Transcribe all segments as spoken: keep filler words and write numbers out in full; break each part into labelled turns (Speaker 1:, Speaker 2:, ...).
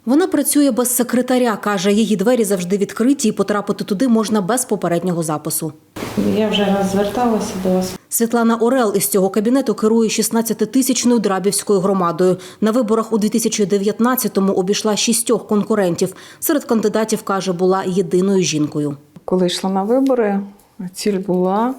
Speaker 1: Вона працює без секретаря, каже, її двері завжди відкриті і потрапити туди можна без попереднього запису.
Speaker 2: Я вже раз зверталася до вас.
Speaker 1: Світлана Орел із цього кабінету керує шістнадцятитисячною Драбівською громадою. На виборах у дві тисячі дев'ятнадцятому обійшла шістьох конкурентів. Серед кандидатів, каже, була єдиною жінкою.
Speaker 3: Коли йшла на вибори, ціль була,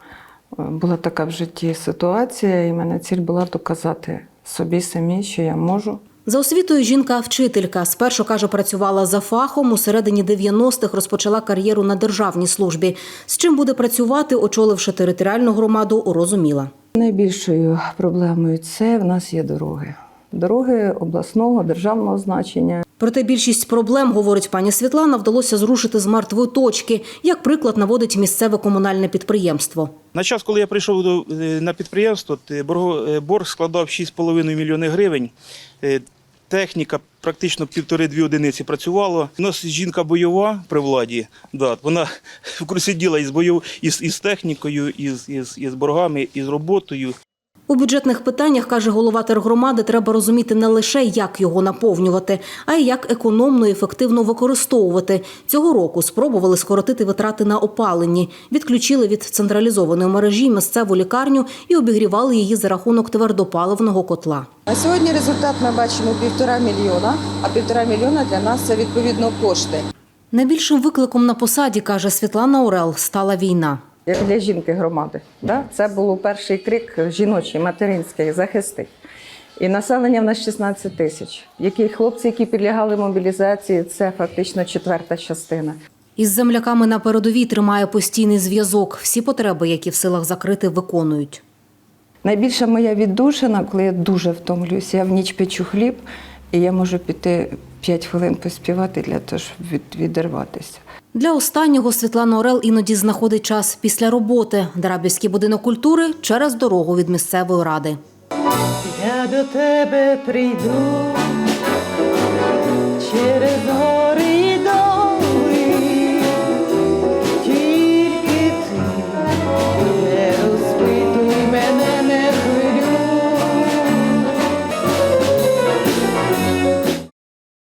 Speaker 3: була така в житті ситуація, і в мене ціль була доказати собі самі, що я можу.
Speaker 1: За освітою жінка – вчителька. Спершу, каже, працювала за фахом, у середині дев'яностих розпочала кар'єру на державній службі. З чим буде працювати, очоливши територіальну громаду, розуміла.
Speaker 3: Найбільшою проблемою – це в нас є дороги. Дороги обласного, державного значення.
Speaker 1: Проте більшість проблем, говорить пані Світлана, вдалося зрушити з мертвої точки. Як приклад наводить місцеве комунальне підприємство.
Speaker 4: На час, коли я прийшов до, на підприємство, борг складав шість з половиною мільйонів гривень. Техніка практично півтори-дві одиниці працювала. У нас жінка бойова при владі. Да, вона сиділа із, бойов, із, із технікою, із, із, із боргами, із роботою.
Speaker 1: У бюджетних питаннях, каже голова тергромади, треба розуміти не лише, як його наповнювати, а й як економно і ефективно використовувати. Цього року спробували скоротити витрати на опаленні. Відключили від централізованої мережі місцеву лікарню і обігрівали її за рахунок твердопаливного котла.
Speaker 5: На сьогодні результат ми бачимо півтора мільйона, а півтора мільйона для нас – це відповідно кошти.
Speaker 1: Найбільшим викликом на посаді, каже Світлана Орел, стала війна.
Speaker 3: Як для жінки громади. Да? Це був перший крик жіночий, материнський, захистить. І населення в нас шістнадцять тисяч. Які хлопці, які підлягали мобілізації, це фактично четверта частина.
Speaker 1: Із земляками на передовій тримає постійний зв'язок. Всі потреби, які в силах закрити, виконують.
Speaker 3: Найбільша моя віддушина, коли я дуже втомлююся, я в ніч печу хліб, і я можу піти п'ять хвилин поспівати для того, щоб від, відірватися.
Speaker 1: Для останнього Світлана Орел іноді знаходить час після роботи. Драбівський будинок культури через дорогу від місцевої ради.
Speaker 2: Я до тебе прийду.